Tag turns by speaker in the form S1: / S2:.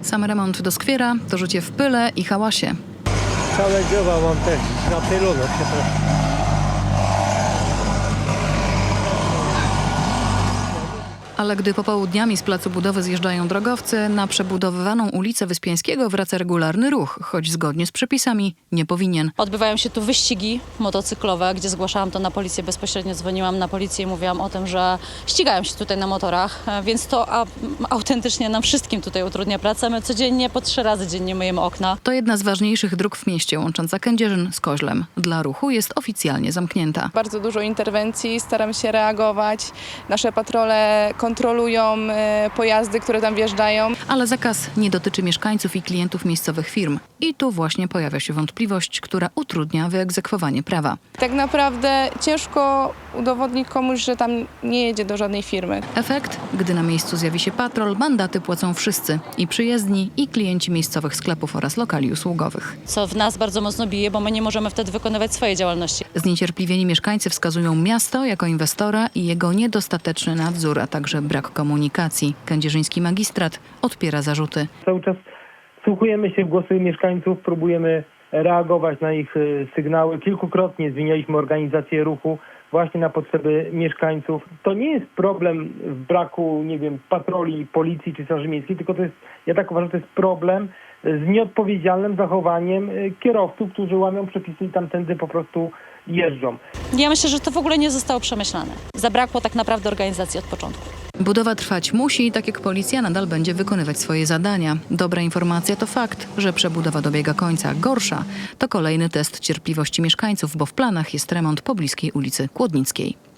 S1: Sam remont doskwiera, to życie w pyle i hałasie.
S2: Całe dzieła mam też napylone, przepraszam.
S1: Ale gdy popołudniami z placu budowy zjeżdżają drogowcy, na przebudowywaną ulicę Wyspiańskiego wraca regularny ruch, choć zgodnie z przepisami nie powinien.
S3: Odbywają się tu wyścigi motocyklowe, gdzie zgłaszałam to na policję, bezpośrednio dzwoniłam na policję i mówiłam o tym, że ścigają się tutaj na motorach, więc to autentycznie nam wszystkim tutaj utrudnia pracę. My codziennie po 3 razy dziennie myjemy okna.
S1: To jedna z ważniejszych dróg w mieście, łącząca Kędzierzyn z Koźlem. Dla ruchu jest oficjalnie zamknięta.
S4: Bardzo dużo interwencji, staramy się reagować. Nasze patrole kontrolują pojazdy, które tam wjeżdżają.
S1: Ale zakaz nie dotyczy mieszkańców i klientów miejscowych firm. I tu właśnie pojawia się wątpliwość, która utrudnia wyegzekwowanie prawa.
S4: Tak naprawdę ciężko udowodnić komuś, że tam nie jedzie do żadnej firmy.
S1: Efekt? Gdy na miejscu zjawi się patrol, mandaty płacą wszyscy. I przyjezdni, i klienci miejscowych sklepów oraz lokali usługowych.
S3: Co w nas bardzo mocno bije, bo my nie możemy wtedy wykonywać swojej działalności.
S1: Zniecierpliwieni mieszkańcy wskazują miasto jako inwestora i jego niedostateczny nadzór, a także brak komunikacji. Kędzierzyński magistrat odpiera zarzuty.
S2: Cały czas wsłuchujemy się w głosy mieszkańców, próbujemy reagować na ich sygnały. Kilkukrotnie zmienialiśmy organizację ruchu właśnie na potrzeby mieszkańców. To nie jest problem w braku, nie wiem, patroli, policji czy straży miejskiej, tylko to jest, ja tak uważam, to jest problem z nieodpowiedzialnym zachowaniem kierowców, którzy łamią przepisy i tamtędy po prostu jeżdżą.
S3: Ja myślę, że to w ogóle nie zostało przemyślane. Zabrakło tak naprawdę organizacji od początku.
S1: Budowa trwać musi i tak jak policja nadal będzie wykonywać swoje zadania. Dobra informacja to fakt, że przebudowa dobiega końca. Gorsza to kolejny test cierpliwości mieszkańców, bo w planach jest remont pobliskiej ulicy Kłodnickiej.